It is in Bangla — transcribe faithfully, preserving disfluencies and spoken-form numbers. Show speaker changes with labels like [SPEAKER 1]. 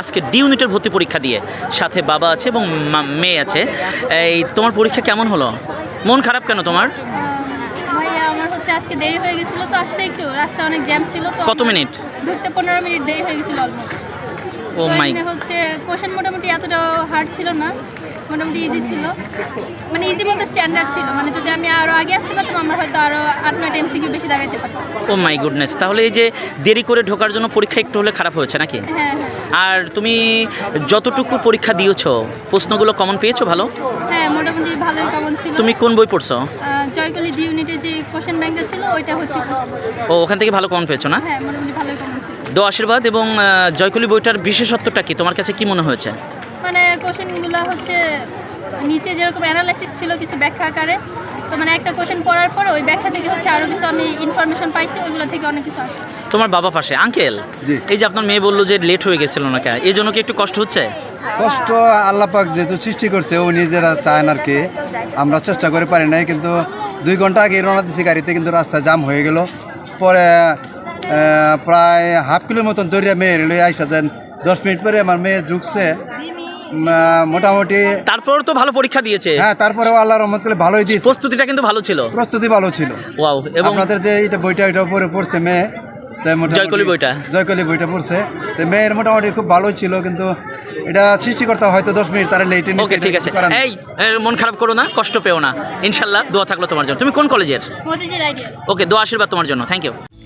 [SPEAKER 1] আজকে ডি ইউনিটের ভর্তি পরীক্ষা দিয়ে, সাথে বাবা আছে এবং মেয়ে আছে। এই তোমার পরীক্ষা কেমন হলো? মন খারাপ কেন তোমার?
[SPEAKER 2] ভাইয়া আমার হচ্ছে আজকে দেরি হয়ে গেছিল তো আসতে, একটু রাস্তা অনেক জ্যাম ছিল তো।
[SPEAKER 1] কত মিনিট?
[SPEAKER 2] ঢুকতে পনেরো মিনিট দেরি হয়ে গেছিল অলমোস্ট।
[SPEAKER 1] ও মাই,
[SPEAKER 2] হচ্ছে কোশ্চেন মোটামুটি এতটা হার্ড ছিল না, মোটামুটি ইজি ছিল, মানে ইজি বলতে স্ট্যান্ডার্ড ছিল। মানে যদি আমি আরও আগে আসতে পারতাম আমার হয়তো আরও আট নয়টা এমসিকিউ বেশি দাঁড়াতে পারতাম।
[SPEAKER 1] ও মাই গুডনেস, তাহলে এই যে দেরি করে ঢোকার জন্য পরীক্ষা একটু হলে খারাপ হয়েছে নাকি?
[SPEAKER 2] হ্যাঁ হ্যাঁ
[SPEAKER 1] আর তুমি যতটুকু পরীক্ষা দিয়েছো প্রশ্নগুলো কমন পেয়েছো ভালো?
[SPEAKER 2] হ্যাঁ মোটামুটি ভালোই কমন ছিল।
[SPEAKER 1] তুমি কোন বই পড়ছো?
[SPEAKER 2] জয়কলি ডি ইউনিটের যে কোশ্চেন ব্যাংকটা ছিল ওইটা হচ্ছে।
[SPEAKER 1] ও, ওখান থেকে ভালো কমন পেয়েছো না?
[SPEAKER 2] হ্যাঁ মোটামুটি ভালোই কমন ছিল।
[SPEAKER 1] দো আশীর্বাদ এবং আহ, জয়কলি বইটার বিশেষত্বটা কি তোমার কাছে কি মনে হয়েছে?
[SPEAKER 2] মানে কোশ্চেনগুলো হচ্ছে নিচে যেরকম অ্যানালাইসিস ছিল কিছু ব্যাখ্যা আকারে, তো মানে একটা কোশ্চেন পড়ার পর ওই ব্যাখ্যা থেকে হচ্ছে আরও কিছু আমি ইনফরমেশন পাইছি, ওইগুলো থেকে অনেক কিছু আসছে।
[SPEAKER 1] তোমার বাবা পাশে আঙ্কেল, এই যে আপনার মেয়ে বললো যে লেট হয়ে গেছিল না, কেন এই জন্য কি একটু কষ্ট হচ্ছে?
[SPEAKER 3] কষ্ট আল্লাহ পাক যেহেতু সৃষ্টি করছে ও নিজেরা চায় না আর কি, আমরা চেষ্টা করে পারি নাই, কিন্তু দুই ঘন্টা আগে রওনা দিছি গাড়িতে, কিন্তু রাস্তায় জাম হয়ে গেল। পরে আহ, প্রায় হাফ কিলোর মতন দৌড়িয়ে মেয়ে লই আইসা দেন, দশ মিনিট পরে আমার মেয়ে ঢুকছে। উম, আহ, মোটামুটি
[SPEAKER 1] তারপর তো ভালো পরীক্ষা দিয়েছে।
[SPEAKER 3] হ্যাঁ, তারপরেও আল্লাহ রহমত করে ভালোই দিয়েছে,
[SPEAKER 1] প্রস্তুতিটা কিন্তু ভালো ছিল,
[SPEAKER 3] প্রস্তুতি ভালো ছিল।
[SPEAKER 1] ওয়াও। এবং
[SPEAKER 3] আপনাদের যে এটা বইটা এটা পরে পড়ছে মেয়ে, তাই মোটামুটি-
[SPEAKER 1] জয়কলি বইটা?
[SPEAKER 3] জয়কলি বইটা পড়ছে, তো মেয়ের মোটামুটি খুব ভালোই ছিল, কিন্তু এটা সৃষ্টিকর্তা হয়তো দশ মিনিট তারা লেটে
[SPEAKER 1] ওকে, ঠিক আছে। এই এ, মন খারাপ করো না, কষ্ট পেও না, ইনশাল্লাহ দোয়া থাকলো তোমার জন্য। তুমি কোন কলেজের?
[SPEAKER 2] মতিঝিল আইডিয়া।
[SPEAKER 1] ওকে, দোয়া আশীর্বাদ তোমার জন্য, থ্যাংক ইউ।